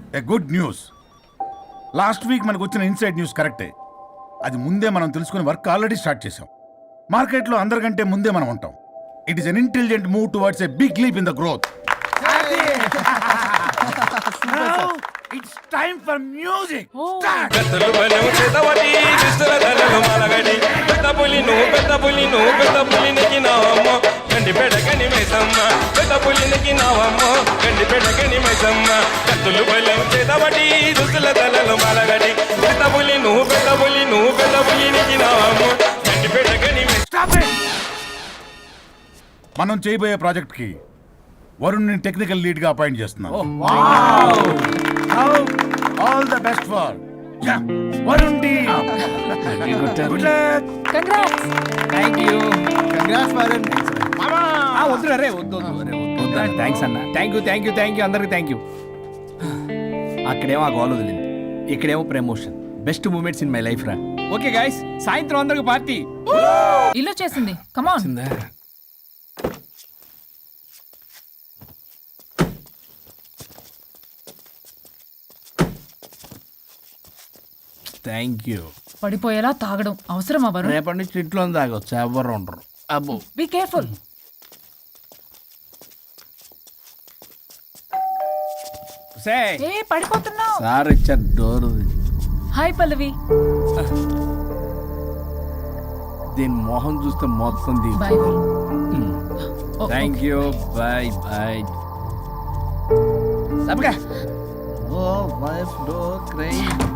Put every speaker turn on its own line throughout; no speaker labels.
ఏ good news. Last week మనకు వచ్చిన inside news కరెక్టే. అది ముందే మనం తెలుసుకుని వర్క్ ఆల్రెడీ స్టార్ట్ చేసాం. మార్కెట్లో అందరికంటే ముందే మనం ఉంటాం. It is an intelligent move towards a big leap in the growth. It's time for music.
పెద్ద పులి నెక్కినావమ్మ గండి పెడగని మైసమ్మ పెద్ద పులి నెక్కినావమ్మ గండి పెడగని మైసమ్మ కత్తులు బలం చేతబడి దుస్తుల తలలో మలగడి పెద్ద పులి నెక్కినావమ్మ గండి పెడగని
మనం చేయబోయే ప్రాజెక్ట్ కి వరుణ్ని టెక్నికల్ లీడ్ గా అపాయింట్ చేస్తున్నాం. All the best for Varun team. Good luck.
Congrats.
Thank you. Congrats Varun.
వద్దు రే వద్దు థ్యాంక్స్ అన్న. థ్యాంక్ యూ అందరికి థ్యాంక్ యూ. అక్కడేమో ఆ గోల్ వదిలింది, ఇక్కడేమో promotion. Best moments in my life రా. ఓకే గైస్, సాయంత్రం అందరికి పార్టీ.
ఇల్లు చేసింది. కమాన్.
Thank you.
పడిపోయేలా తాగడం అవసరమా వరుణ్?
రేపటి నుంచి ఇంట్లో తాగొచ్చు, ఎవరు ఉండరు. అబ్బో
బీ కేర్ఫుల్. ఏ పడిపోతున్నావు.
సార్ ఇచ్చారు డోర్.
హాయ్ పల్లవి.
దీని మొహం చూస్తే మొత్తం
bye Varun.
Thank you. Bye bye. తప్పగా. ఓ వైఫ్ డో క్రై.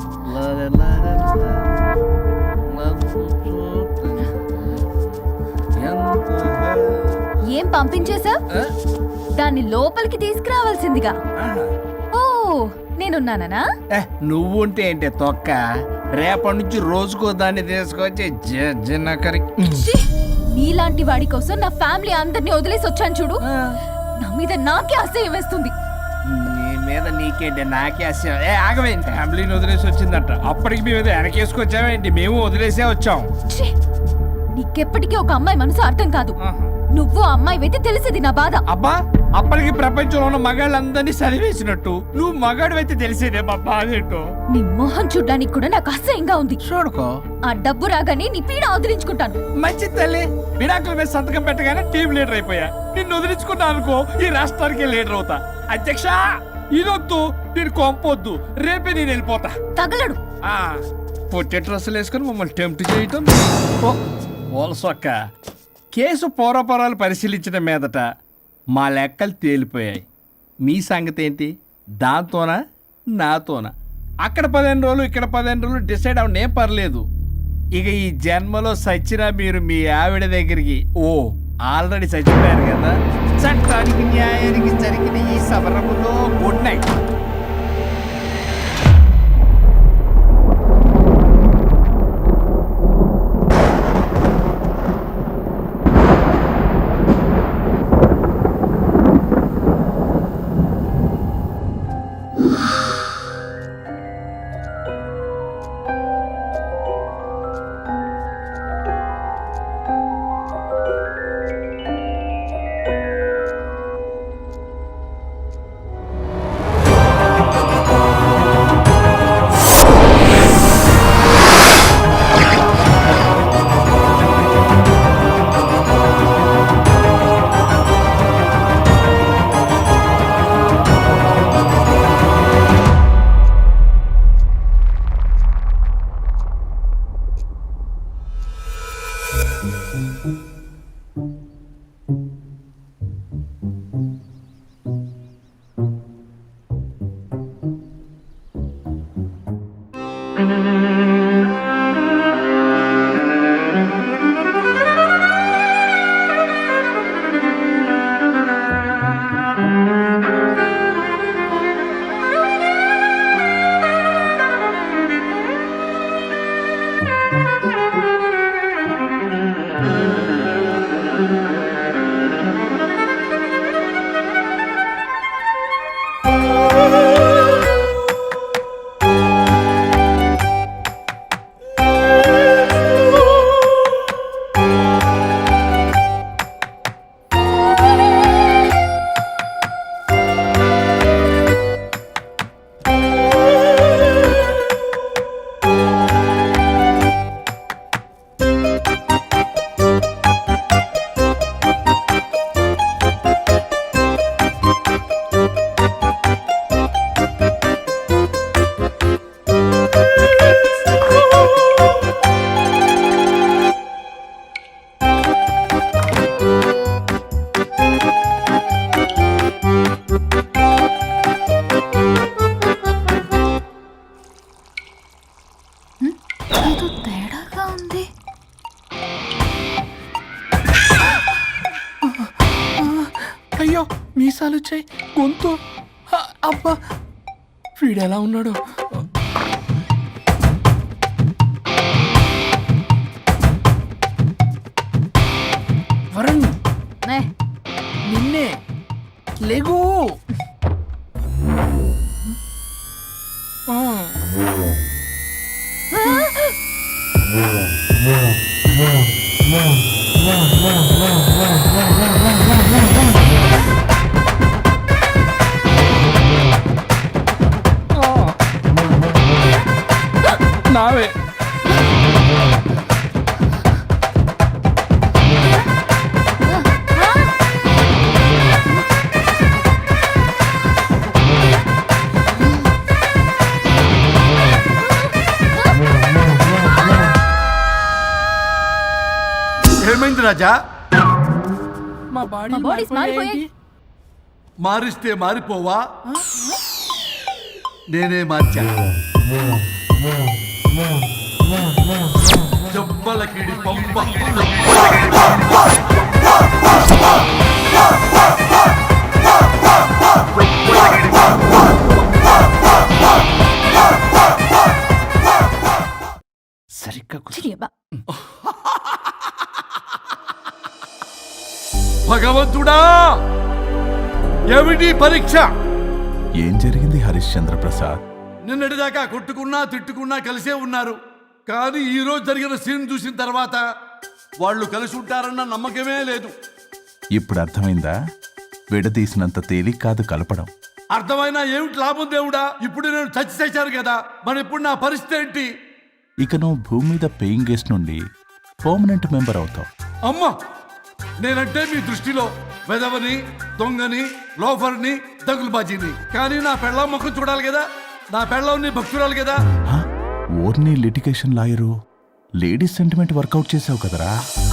ఏం పంపించేశా? దాన్ని లోపలికి తీసుకురావాల్సిందిగా. ఓ నేనున్నానా?
నువ్వు ఉంటే ఏంటి తొక్క. రేపటి నుంచి రోజుకో దాన్ని తీసుకొచ్చి జనకరి.
నీలాంటి వాడి కోసం నా ఫ్యామిలీ అందరినీ వదిలేసి వచ్చాను చూడు. నా మీద నాకే అసహ్యం వేస్తుంది.
నీ మీద నీకేంటి, నాకే అసహ్యం. ఆగవేంటి, ఫ్యామిలీని వదిలేసి వచ్చిందంట. అప్పటికి మేము వెనకేసుకొచ్చామేంటి? మేము వదిలేసే వచ్చాం.
నీకెప్పటికీ ఒక అమ్మాయి మనసు అర్థం కాదు. నువ్వు అమ్మాయి అయితే తెలిసేది నా బాధ.
అబ్బా, అప్పటికి ప్రపంచంలో ఉన్న మగాళ్ళందరినీ సరివేసినట్టు నువ్వు మగాడు అయితే తెలిసేదే మా బాధ ఏంటో.
నీ మొహం చూడ్డానికి కూడా నాకు అసహ్యంగా ఉంది.
చూడుకో,
ఆ డబ్బు రాగానే నీ పీడ వదిలించుకుంటాను.
మంచి తల్లి. విడాకుల మీద సంతకం పెట్టగానే టీం లీడర్ అయిపోయా. నిన్ను వదిలించుకున్నా అనుకో, ఈ రాష్ట్రానికి లీడర్ అవుతా. అధ్యక్ష, ఇదొద్దు, నేను కొంపొద్దు. రేపే నేను వెళ్ళిపోతా.
తగలడు.
పొట్టె డ్రెస్సులు వేసుకుని మమ్మల్ని టెంప్ట్ చేయటం. ఓలసొక్క. కేసు పూర్వపరాలు పరిశీలించడం మీదట మా లెక్కలు తేలిపోయాయి. మీ సంగతి ఏంటి? దాంతోనా నాతోనా? అక్కడ 15 రోజులు, ఇక్కడ 15 రోజులు డిసైడ్ అవ్వడం పర్లేదు. ఇక ఈ జన్మలో సచ్చినా మీరు మీ ఆవిడ దగ్గరికి ఆల్రెడీ చచ్చిపోయారు కదా. చట్టానికి న్యాయానికి జరిగిన ఈ సమరములో గుడ్ నైట్. చేయి గొంతు. అబ్బా వీడు ఎలా ఉన్నాడు? వరుణ్
నే,
నిన్నే లేగు. నావే
ఏమైంది రాజా?
మా బాడీ
మా bodies మారిపోయాయి.
మారిస్తే మారిపోవా? నేనే మార్చా. జబ్బలకిడి పంప.
సరిగ్గా
చిరియబ్బా.
భగవంతుడా, ఏమిటి పరీక్ష?
ఏం జరిగింది హరిశ్చంద్ర ప్రసాద్?
నిన్నటిదాకా కొట్టుకున్నా తిట్టుకున్నా కలిసే ఉన్నారు. కానీ ఈ రోజు జరిగిన సీన్ చూసిన తర్వాత వాళ్ళు కలిసి ఉంటారన్న నమ్మకమే లేదు.
ఇప్పుడు అర్థమైందా? విడదీసినంత తేలిక కాదు కలపడం.
అర్థమైనా ఏమిటి లాభం దేవుడా? ఇప్పుడు నేను చచ్చి చేశాను కదా, మరి ఇప్పుడు నా పరిస్థితి ఏంటి?
ఇక నువ్వు భూమి మీద పేయింగ్ గెస్ట్ నుండి పర్మనెంట్ మెంబర్ అవుతావు.
అమ్మా, నేనంటే మీ దృష్టిలో వెదవని, దొంగని, లోఫర్ని, దగులుబాజీని. కానీ నా పెళ్ళం ముఖం చూడాలి కదా, నా పెళ్ళం నీ భక్తురాలు కదా.
హ? ఓర్ని litigation lawyer, ladies sentiment work out చేసావు కదరా.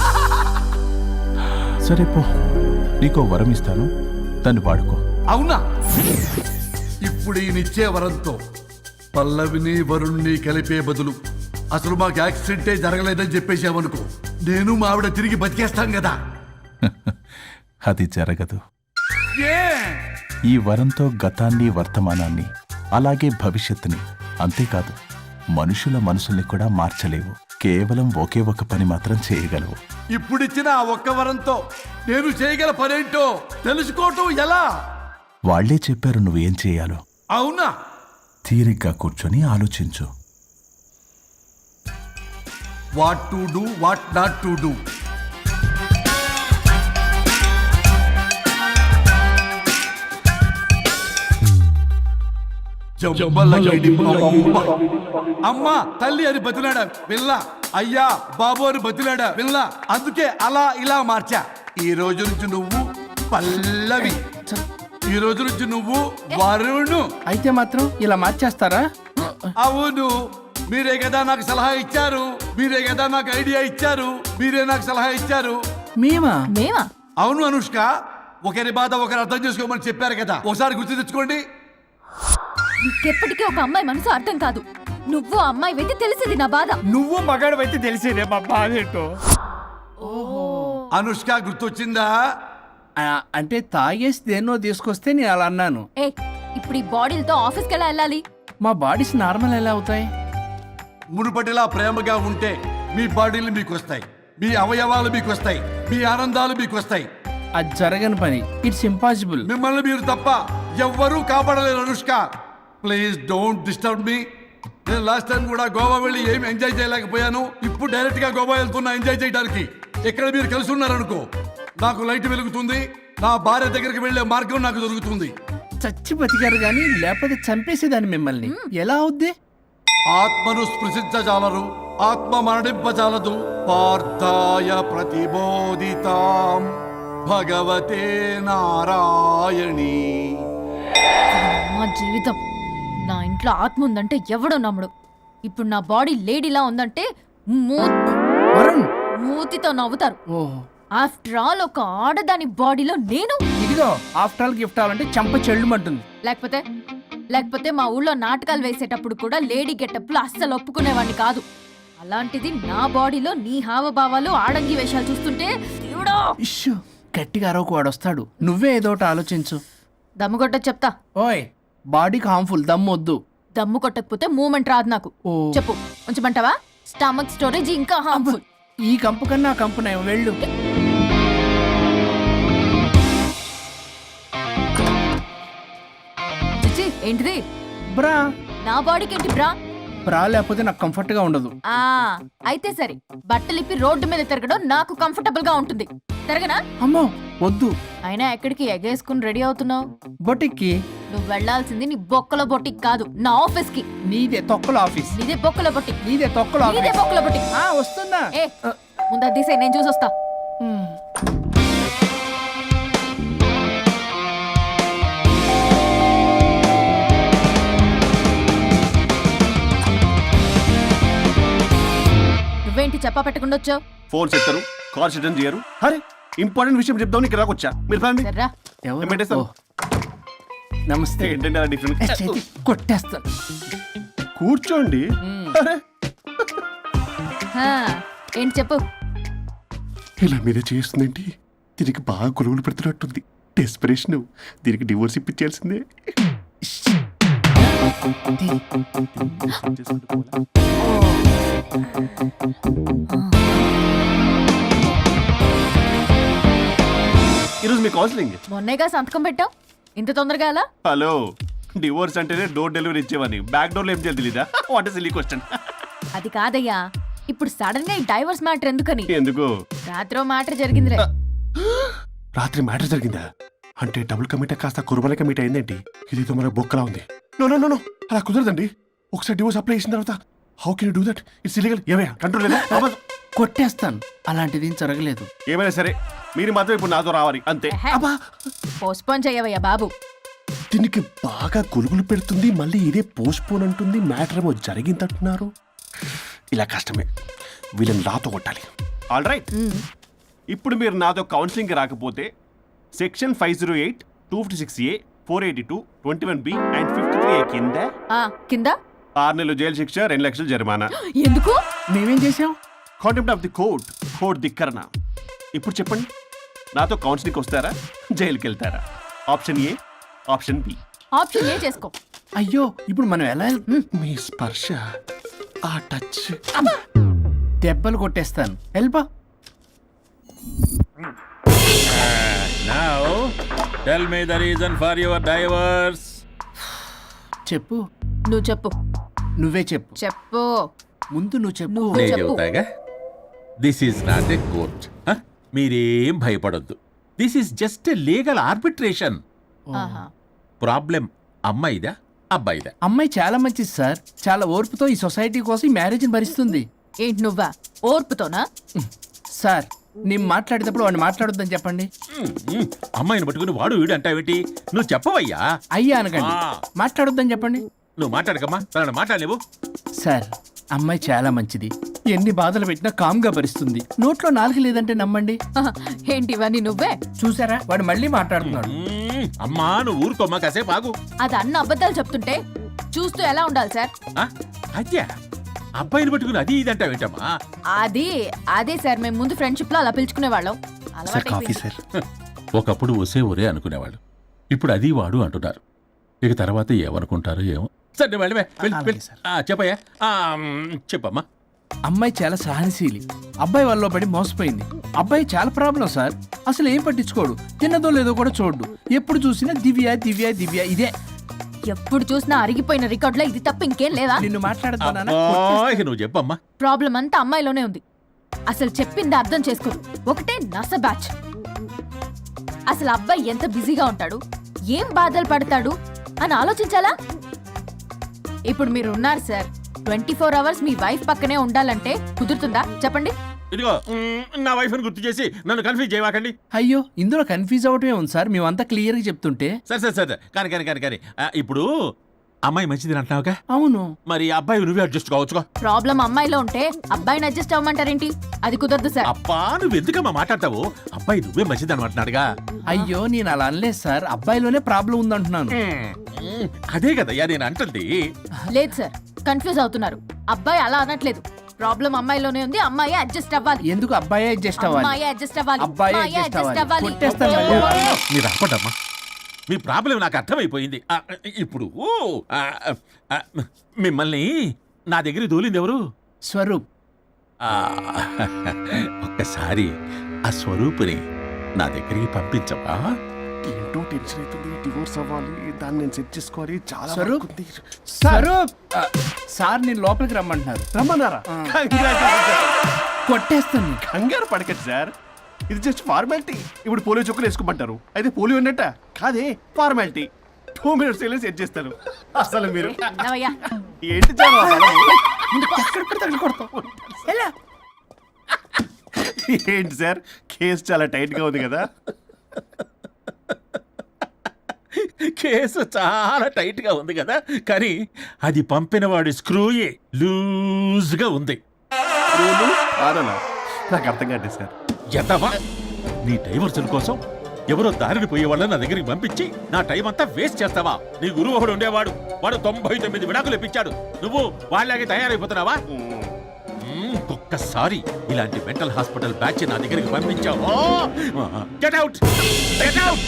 సరే పో, నీకో వరం ఇస్తాను, దాన్ని వాడుకో.
అవునా? ఇప్పుడు ఈయనిచ్చే వరంతో పల్లవిని వరుణ్ణి కలిపే బదులు అసలు మాకు యాక్సిడెంటే జరగలేదని చెప్పేసామనుకో, నేను మా ఆవిడ తిరిగి బతికేస్తాం కదా.
అది జరగదు.
ఏ?
ఈ వరంతో గతాన్ని, వర్తమానాన్ని, అలాగే భవిష్యత్తుని, అంతేకాదు మనుషుల మనసుల్ని కూడా మార్చలేవు. కేవలం ఒకే ఒక పని మాత్రం చేయగలవు.
ఇప్పుడిచ్చిన ఆ ఒక్క వరంతో నేను చేయగల పనేంటో తెలుసుకోవటం ఎలా?
వాళ్లే చెప్పారు నువ్వేం చేయాలో.
అవునా?
తీరిగ్గా కూర్చొని ఆలోచించు.
What to do, what not to do. అమ్మా తల్లి అని బతిలాడా పిల్ల, అయ్యా బాబు అని బతిలాడా పిల్ల. అందుకే అలా ఇలా మార్చా. ఈ రోజు నుంచి నువ్వు పల్లవి, ఈ రోజు నుంచి నువ్వు వరుణు.
అయితే మాత్రం ఇలా మార్చేస్తారా?
అవును, మీరే కదా నాకు సలహా ఇచ్చారు, మీరే కదా నాకు ఐడియా ఇచ్చారు, మీరే నాకు సలహా ఇచ్చారు.
మేమా?
మేమా?
అవును అనుష్క, ఒకరి బాధ ఒకరు అర్థం చేసుకోమని చెప్పారు కదా, ఒకసారి గుర్తు తెచ్చుకోండి.
నీకెప్పటికీ ఒక అమ్మాయి మనసు అర్థం కాదు. నువ్వు అమ్మాయి వెతి తెలిసింది నా బాధ.
నువ్వు మగాడు అయితే తెలిసేదే మా బాధ ఏంటో.
అనుష్క గుర్తొచ్చిందా?
అంటే తాగేసి దేన్నో తీసుకొస్తే నేను అలా అన్నాను.
ఏ, ఇప్పుడు ఈ బాడీలతో ఆఫీస్కి ఎలా వెళ్ళాలి?
మా బాడీస్ నార్మల్ ఎలా అవుతాయి?
మునుపటిలా ప్రేమగా ఉంటే మీ బాడీలు మీకు వస్తాయి, మీ అవయవాలు మీకు వస్తాయి, మీ ఆనందాలు మీకు వస్తాయి.
అది జరగని పని. It's impossible.
మిమ్మల్ని మీరు తప్ప ఎవ్వరూ కాపాడలేరు Anushka. Please don't disturb me. నేను లాస్ట్ టైం కూడా గోవా వెళ్ళి ఏమి ఎంజాయ్ చేయలేకపోయాను. ఇప్పుడు డైరెక్ట్ గా గోవా వెళ్తున్నా ఎంజాయ్ చేయడానికి. ఇక్కడ మీరు కలిసి ఉన్నారనుకో, నాకు లైట్ వెలుగుతుంది, నా భార్య దగ్గరికి వెళ్లే మార్గం నాకు దొరుకుతుంది.
చచ్చి బతికారు గాని లేకపోతే చంపేసేదాన్ని మిమ్మల్ని. ఎలా అవుద్ది?
ఆత్మను స్పృశించజాలరు, ఆత్మ మరణింపజాలదు. పార్థాయ ప్రతిబోధితాం భగవతే నారాయణి.
మా జీవితం, నా ఇంట్లో ఆత్మ ఉందంటే ఎవడో నమ్ముడు. ఇప్పుడు నా బాడీ లేడీలా ఉందంటే
వరుణ్,
మూతితో నవ్వుతారు.
ఓహో,
ఆఫ్టర్ ఆల్ ఒక ఆడదాని బాడీలో నేను.
ఇదిగో ఆఫ్టర్ ఆల్ గిఫ్ట్ అవ్వాలంటే చంప చెల్లుమంటుంది.
లేకపోతే మా ఊళ్ళో నాటకాలు వేసేటప్పుడు కూడా లేడీ గెటప్లు అస్సలు ఒప్పుకునేవాడిని కాదు. అలాంటిది నా బాడీలో నీ హావభావాలు, ఆడంగి వేషాలు చూస్తుంటే దేవుడా.
ఇష్యూ, గట్టిగా అరవకు, వాడు వస్తాడు. నువ్వే ఏదో ఒకటి ఆలోచించు.
దమ్ము కొట్టదు చెప్తా.
ఓయ్ బాడీకి హార్మ్ఫుల్ దమ్మొద్దు.
దమ్ము కొట్టకపోతే మూమెంట్ రాదు నాకు.
ఓ.
చెప్పు ఉంచమంటావా? స్టమక్ స్టోరేజ్ ఇంకా హార్మ్ఫుల్.
ఈ కంపు కన్నా ఆ కంపు నయం, వెళ్ళు.
చిచ్చి, ఏంటిది?
బ్రా
నా బాడీకి ఏంటి బ్రా?
బ్రా లేకపోతే నాకు కంఫర్ట్ గా ఉండదు.
ఆ అయితే సరే, బట్టలిప్పి రోడ్డు మీద తిరగడం నాకు కంఫర్టబుల్ గా ఉంటుంది. తిరగనా?
అమ్మో వద్దు.
అయినా ఎక్కడికి ఎగేసుకుని రెడీ అవుతున్నావు?
బొటిక్కి.
నువ్వు వెళ్లాల్సింది నీ బొక్కల బొట్టికి కాదు, నా ఆఫీస్ కి.
నీదే తొక్కల ఆఫీస్.
నీదే బొక్కల బొట్టి.
నీదే తొక్కల
నీదే
ఆఫీస్.
బొక్కల బొట్టి.
ఆ వస్తున్నా.
ఏ ముందు అది తీసేయ్, నేను చూసొస్తా. నువ్వేంటి చెప్పా పెట్టకుండా వచ్చావు?
ఫోన్ చెప్తారు, కాల్ అటెండ్ చేయరు. అరే ఇంపార్టెంట్ విషయం చెప్దాం ఇక్కడ వచ్చా. మీరు ఫ్యామిలీ
సర్రా.
ఎవరు?
పెట్టేస్తాను.
ఓ. నమస్తే.
ఏంటంటే అలా డిఫరెంట్.
చేతి కొట్టేస్తాను.
కూర్చోండి. అరే
హా, ఏంటి చెప్పు.
ఇలా మీరే చేస్తుందేంటి? దీనికి బాగా గొలుగులు పెడుతున్నట్టుంది. డెస్పిరేషన్. దీనికి డివోర్స్ ఇప్పించాల్సిందే. ఈరోజు మీ కౌన్సిలింగ్.
మొన్నేగా సంతకం పెట్టావు, ఇంత తొందరగా అలా?
హలో, డివోర్స్ అంటేనే డోర్ డెలివరీ ఇచ్చేవని. బ్యాక్ డోర్ లో ఏం చేయాలి తెలీదా? What is silly question.
అది కాదయ్యా, ఇప్పుడు సడన్ గా ఈ డైవర్స్ మ్యాటర్ ఎందుకని?
ఎందుకు?
రాత్రో మ్యాటర్ జరిగిందిలే.
రాత్రి మ్యాటర్ జరిగిందా? అంటే డబుల్ కమిట్ కాస్త కుర్బల కమిట్ అయిందేంటి? ఇదేదో మన బొక్కలా ఉంది. నో నో నో నో, అలా కుదరదండి. ఒకసారి డివోర్స్ అప్లై చేసిన తర్వాత how can you do that? It's illegal. ఏమయ్యా కంట్రోల్ లేదా?
కొట్టేస్తాను. అలాంటిది ఏం జరగలేదు.
ఏమైనా సరే మీరు మాత్రం ఇప్పుడు నాతో రావాలి అంతే. అబ్బా,
పోస్ట్పోన్ చెయ్యవయ్యా బాబు.
దీనికి బాగా గొలుగులు పెడుతుంది, మళ్ళీ ఇదే పోస్ట్ పోన్ అంటుంది. మ్యాటర్ ఏమో జరిగిందంటున్నారు. ఇలా కష్టమే. వీళ్ళని నాతో కొట్టాలి. ఆల్ రైట్, ఇప్పుడు మీరు నాతో కౌన్సిలింగ్కి రాకపోతే section 508, 256A, 482, 21B and 53A కింద
ఆ కింద
6 నెలలు జైలు శిక్ష, 2 లక్షలు జరిమానా.
ఎందుకు?
మేమేం చేసాం?
Contempt of the court, court ధిక్కరణ. ఇప్పుడు చెప్పండి, నాతో కౌన్సిలింగ్కి వస్తారా, జైలుకి వెళ్తారా? Option A, option B.
Option A చేసుకో.
అయ్యో ఇప్పుడు మనం ఎలా
మీ స్పర్శ, ఆ టచ్.
దెబ్బలు కొట్టేస్తాను. వెళ్ళిపో.
Now, tell me the reason for your divorce.
చెప్పు.
నువ్వు చెప్పు.
నువ్వే చెప్పు.
చెప్పు.
ముందు నువ్వు చెప్పు.
నువ్వు
నేను
చెప్పు.
చెబుతాగా. This is not a court. మీరేం భయపడొద్దు. This is just a legal arbitration.
ఆహా.
ప్రాబ్లం అమ్మాయిదా అబ్బాయిదా?
అమ్మాయి చాలా మంచిది సార్. చాలా ఓర్పుతో ఈ సొసైటీ కోసం ఈ మ్యారేజ్ని భరిస్తుంది.
ఏంటి నువ్వా? ఓర్పుతోనా?
సార్ నేను మాట్లాడేటప్పుడు వాడిని మాట్లాడొద్దని చెప్పండి.
అమ్మాయిని పట్టుకుని వాడు వీడు అంటావేంటి? నువ్వు చెప్పవయ్యా.
అయ్యా అనకండి.
ఆ.
మాట్లాడొద్దని చెప్పండి.
నువ్వు మాట్లాడకమ్మా, తనని మాట్లాడలేవు.
సార్ అమ్మాయి చాలా మంచిది. ఎన్ని బాధలు పెట్టినా కామ్గా భరిస్తుంది. నోట్లో నాలుగు లేదంటే నమ్మండి.
ఆహా. ఏంటి ఇవన్నీ నువ్వే?
చూసారా వాడు మళ్ళీ మాట్లాడుతున్నాడు.
అమ్మా నువ్వు ఊరుకోమ్మా, కాసేపు ఆగు.
అది అన్న అబద్ధాలు చెప్తుంటే చూస్తూ ఎలా ఉండాలి సార్?
అద్యా అబ్బాయిని పట్టుకుని అది ఇది అంటావేంటమ్మా?
అదే సార్, మేము ముందు ఫ్రెండ్షిప్ లో అలా పిలుచుకునే వాళ్ళం.
Sir coffee sir.
ఒకప్పుడు ఒసే ఒరే అనుకునేవాళ్ళు, ఇప్పుడు అది వాడు అంటున్నారు. ఇక తర్వాత ఏమనుకుంటారో ఏమో. సరే వెళ్ళవే,
అలాగే సార్.
చెప్పయ్యా. చెప్పమ్మా.
అమ్మాయి చాలా సహనశీలి. అబ్బాయి వల్ల పడి మోసపోయింది. అబ్బాయి చాలా ప్రాబ్లం సార్. అసలు ఏం పట్టించుకోడు. తిన్నదో లేదో కూడా చూడు. ఎప్పుడు చూసినా దివ్య దివ్య దివ్య ఇదే.
ఎప్పుడు చూసినా అరిగిపోయిన రికార్డ్ లో ఇది తప్ప ఇంకేం లేదా?
నిన్ను మాట్లాడుతున్నానా?
ఇక నువ్వు చెప్పమ్మా.
ప్రాబ్లం అంతా అమ్మాయిలోనే ఉంది. అసలు చెప్పింది అర్థం చేసుకోరు. ఒకటే నస బ్యాచ్. అసలు అబ్బాయి ఎంత బిజీగా ఉంటాడు, ఏం బాధలు పడతాడు అని ఆలోచించాలా? ఇప్పుడు మీరు ఉన్నారు సార్, 24 hours మీ వైఫ్ పక్కనే ఉండాలంటే కుదురుతుందా చెప్పండి?
ఇదిగో నా వైఫ్ని గుర్తు చేసి నన్ను కన్ఫ్యూజ్ చేయవాకండి.
అయ్యో ఇందులో కన్ఫ్యూజ్ అవటమే ఉంది సార్. మేమంతా క్లియర్గా చెప్తుంటే.
సరే కానీ ఇప్పుడు అమ్మాయి మంచిది అంటున్నావుగా?
అవును.
మరి అబ్బాయి నువ్వే అడ్జస్ట్ కావచ్చుగా.
ప్రాబ్లం అమ్మాయిలో ఉంటే అబ్బాయిని అడ్జస్ట్ అవ్వమంటారేంటి? అది కుదరదు సార్.
అబ్బా నువ్వు ఎందుకమ్మా మాట్లాడతావు? అబ్బాయి నువ్వే మంచిది అనమాటున్నాడుగా.
అయ్యో నేను అలా అనలేదు సార్. అబ్బాయిలోనే ప్రాబ్లం ఉందంటున్నాను.
అదే కదయ్యా నేను అంటుంది.
లేదు సార్, కన్ఫ్యూజ్ అవుతున్నారు. అబ్బాయి అలా అనట్లేదు. ప్రాబ్లం అమ్మాయిలోనే ఉంది. అమ్మాయి అడ్జస్ట్ అవ్వాలి.
ఎందుకు అబ్బాయి అడ్జస్ట్ అవ్వాలి?
అమ్మాయి అడ్జస్ట్ అవ్వాలి.
అబ్బాయి
అమ్మాయి
adjust
adjust
అవ్వాలి.
అవ్వాలి.
కొట్టేస్తాను.
మీరు ఆపడమ్మా.
మీ ప్రాబ్లం నాకు అర్థమైపోయింది. ఇప్పుడు ఆ, ఆ, మిమ్మల్ని నా దగ్గరికి దూలింది ఎవరు?
స్వరూప్.
ఆ, ఒక్కసారి ఆ స్వరూపుని నా దగ్గరికి పంపించవా?
ఏంటో టెన్షన్ అవుతుంది, డివోర్స్ అవ్వాలి, దాన్ని నేను సెట్ చేసుకోవాలి, చాలా
స్వరూప్?
work ఉంది.
స్వరూప్ సార్ నేను లోపలికి రమ్మంటున్నారు.
రమ్మన్నారా? Congratulations, sir.
కొట్టేస్తాను నీకు.
కంగారు పడకండి సార్, ఇది జస్ట్ ఫార్మాలిటీ. ఇప్పుడు పోలియో చుక్కలు వేసుకోమంటారు, అయితే పోలియో ఉన్నట్ట కాదే, ఫార్మాలిటీ. 2 minutes వెళ్ళి సెట్ చేస్తాను. అసలు మీరు
నవయ్యా
ఏంటి చాలా
ఎలా?
ఏంటి సార్, కేసు చాలా టైట్ గా ఉంది కదా?
కేసు చాలా టైట్ గా ఉంది కదా, కానీ అది పంపిన వాడి స్క్రూయే లూజ్ గా ఉంది.
రూలు ఆరనా? నాకు అర్థం కాదు సార్.
ఎదవా, నీ డైవర్సన్ కోసం ఎవరో దారిని పోయే వాళ్ళని నా దగ్గరికి పంపించి నా టైం అంతా వేస్ట్ చేస్తావా? నీ గురువు ఒకడు ఉండేవాడు, వాడు 99 విడాకులు ఇప్పించాడు. నువ్వు వాళ్ళకి తయారైపోతున్నావా? ఒక్కసారి ఇలాంటి మెంటల్ హాస్పిటల్ బ్యాచ్ నా దగ్గరికి పంపించావు, get out, get out.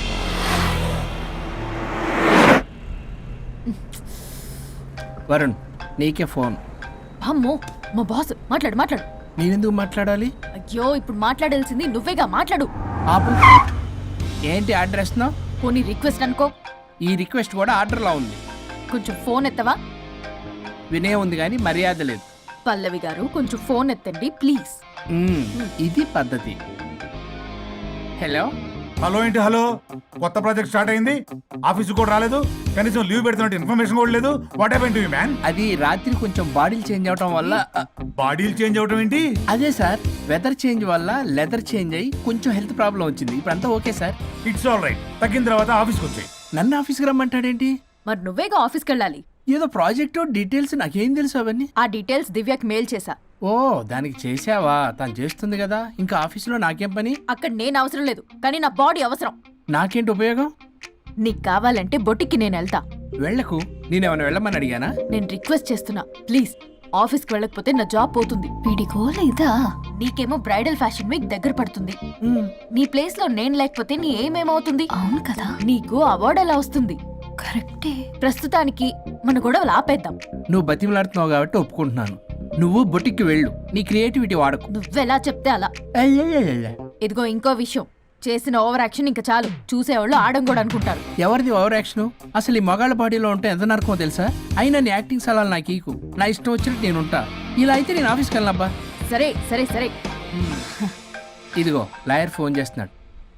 Varun నీకే ఫోన్.
అమ్మో మా బాస్ మాట్లాడు మాట్లాడు.
నేనెందుకు మాట్లాడాలి?
అయ్యో ఇప్పుడు మాట్లాడాల్సింది నువ్వేగా, మాట్లాడు.
ఆపు. ఏంటి ఆర్డర్ ఇస్తున్నావు?
కొన్ని రిక్వెస్ట్ అనుకో.
ఈ రిక్వెస్ట్ కూడా ఆర్డర్లో ఉంది.
కొంచెం ఫోన్ ఎత్తవా?
వినే ఉంది కానీ మర్యాద లేదు.
పల్లవి గారు కొంచెం ఫోన్ ఎత్తండి ప్లీజ్.
ఇది పద్ధతి. హలో.
హలో ఏంటి హలో? కొత్త ప్రాజెక్ట్ స్టార్ట్ అయింది, ఆఫీస్ కూడా రాలేదు, కనీసం లీవ్ పెడుతున్నట్టు ఇన్ఫర్మేషన్ కూడా లేదు. What happened to you man?
అది రాత్రి కొంచెం బాడీలు చేంజ్ అవటం వల్ల.
బాడీలు చేంజ్ అవటం ఏంటి?
అదే సార్, వెదర్ చేంజ్ వల్ల లెదర్ చేంజ్ అయ్యి కొంచెం హెల్త్ ప్రాబ్లం వచ్చింది. ఇప్పుడు అంతా okay sir.
It's all right. తగ్గిన తర్వాత ఆఫీస్కి వచ్చాయి.
నన్ను ఆఫీస్కి రమ్మంటాడేంటి?
మరి నువ్వేగా ఆఫీస్కి వెళ్ళాలి.
ఏదో ప్రాజెక్ట్ డీటెయిల్స్ నాకేం తెలుసు అవన్నీ.
ఆ డీటెయిల్స్ దివ్యకి మెయిల్ చేశా.
ఓ దానికి చేసావా? తను చేస్తుంది కదా, ఇంకా ఆఫీసులో నాకేం పని?
అక్కడ నేను అవసరం లేదు, కానీ నా బాడీ అవసరం.
నాకేంటి ఉపయోగం?
నీకు కావాలంటే బొట్టికి నేను వెళ్తా.
వెళ్ళకు. నేనేమైనా వెళ్ళమని అడిగానా?
నేను రిక్వెస్ట్ చేస్తున్నా ప్లీజ్. ఆఫీస్కి వెళ్ళకపోతే నా జాబ్ పోతుంది. ఇదా నీకేమో బ్రైడల్ ఫ్యాషన్ వీక్ దగ్గర పడుతుంది. నీ ప్లేస్ లో నేను లేకపోతే నీ ఏమేమవుతుంది? అవును కదా. నీకు అవార్డు ఎలా వస్తుంది? కరెక్టే. ప్రస్తుతానికి మన గొడవలు ఆపేద్దాం.
నువ్వు బతిమలాడుతున్నావు కాబట్టి ఒప్పుకుంటున్నాను. నువ్వు బొటిక్కి వెళ్ళు, నీ క్రియేటివిటీ వాడకు.
నువ్వెలా చెప్తే అలా. ఇదిగో ఇంకో విషయం, చేసిన ఓవర్ యాక్షన్ ఇంకా చాలు. చూసేవాళ్ళు ఆడం కూడా అనుకుంటారు.
ఎవరిది ఓవర్ యాక్షన్? అసలు ఈ మగాళ్ళ బాడీలో ఉంటే ఎంత నరకమో తెలుసా? అయినా నీ యాక్టింగ్ సలాలు నాకు ఈకు. నా ఇష్టం వచ్చినట్టు నేను ఉంటా. ఇలా అయితే నేను ఆఫీస్కి వెళ్ళనబ్బా.
సరే సరే సరే.
ఇదిగో లాయర్ ఫోన్ చేస్తున్నాడు.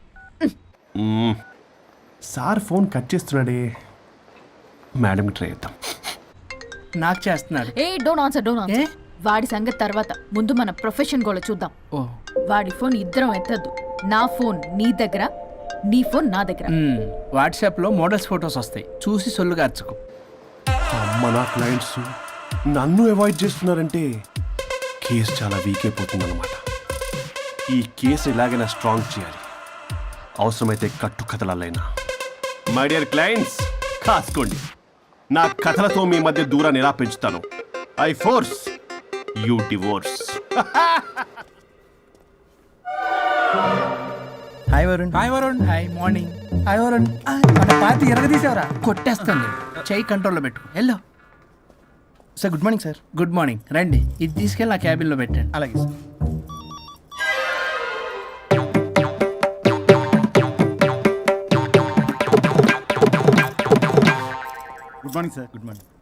సార్ ఫోన్ కట్ చేస్తున్నాడే, మేడం ట్రై చేద్దాం.
నాకు చేస్తున్నాడు.
ఏ డోంట్ ఆన్సర్, డోంట్ ఆన్సర్. వాడి సంగతి తర్వాత, ముందు మన ప్రొఫెషన్ గోల చూద్దాం.
ఓ
వాడి ఫోన్ ఇద్దరం ఎత్తద్దు. నా ఫోన్ నీ దగ్గర, నీ ఫోన్ నా దగ్గర.
వాట్సాప్లో మోడల్స్ ఫొటోస్ వస్తాయి, చూసి సొల్లుగా అర్చుకో.
అమ్మ నా క్లయింట్స్ నన్ను అవాయిడ్ చేస్తున్నారంటే కేసు చాలా వీక్ అయిపోతుంది అనమాట. ఈ కేసు ఎలాగైనా స్ట్రాంగ్ చేయాలి, అవసరమైతే కట్టు కథలైనా. మై డియర్ క్లయింట్స్, కాసుకోండి. నా కథలతో మీ మధ్య దూరాన్ని ఎలా పెంచుతాను. I force you divorce.
Hi Varun. Hi Varun. Hi morning. Hi Varun. మన పార్టీ ఎరగదీసావరా? కొట్టేస్తాను. చెయ్యి కంట్రోల్లో పెట్టు. Hello
sir. Good morning sir.
Good morning. రండి, ఇది తీసుకెళ్ళి నా క్యాబిన్లో పెట్టండి.
అలాగే sir. Good morning sir. Good morning.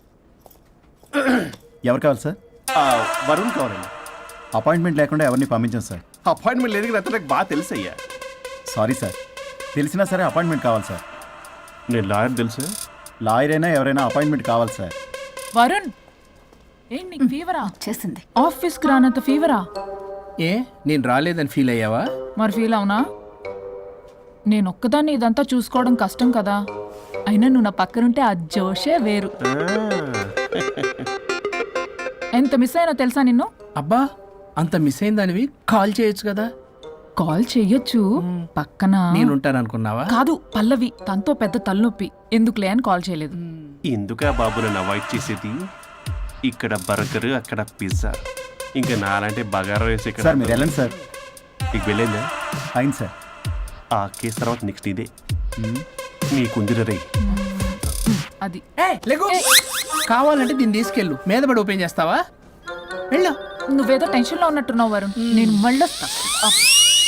ఎవరు కావాలి సార్?
వరుణ్ కావాలండి.
అపాయింట్మెంట్ లేకుండా ఎవరిని పంపించాం సార్.
అపాయింట్మెంట్ లేదు కదా, నాకు బాగా తెలుసు అయ్యా.
సారీ సార్, తెలిసినా సరే అపాయింట్మెంట్ కావాలి సార్.
నేను లాయర్ తెలుసు.
లాయర్ అయినా ఎవరైనా అపాయింట్మెంట్ కావాలి సార్.
వరుణ్, ఏంటి నీకు ఫీవరా?
చేసింది.
ఆఫీస్కి రానంత ఫీవరా?
ఏ నేను రాలేదని ఫీల్ అయ్యావా?
మరి ఫీల్ అవునా? నేను ఒక్కదాన్ని ఇదంతా చూసుకోవడం కష్టం కదా. అయినా నువ్వు నా పక్కనుంటే ఆ జోషే వేరు. ఎంత మిస్ అయినా తెలుసా నిన్ను?
అబ్బా, అంత మిస్ అయిందానివి కాల్ చేయొచ్చు కదా.
కాల్ చెయ్యొచ్చు, పక్కన
నేనుంటాను అనుకున్నావా?
కాదు, పల్లవి తనతో పెద్ద తలనొప్పి, ఎందుకులే అని కాల్ చేయలేదు.
ఎందుకా బాబు నన్ను అవాయిడ్ చేసేది? ఇక్కడ బర్గర్, అక్కడ పిజ్జా, ఇంకా నాలంటే బగారా వేసి ఇక్కడ.
సార్ మీరు వెళ్ళండి సార్.
నీకు వెళ్ళిందా?
అయింది సార్.
ఆ కేసు తర్వాత నెక్స్ట్ ఇదే. నీకుందిర రే.
అది
లేకు కావాలంటే దీన్ని తీసుకెళ్ళు మీద పడి ఓపెన్ చేస్తావా వెళ్ళు
నువ్వేదో టెన్షన్లో ఉన్నట్టున్నావు వరుణ్ నేను మళ్ళొస్తా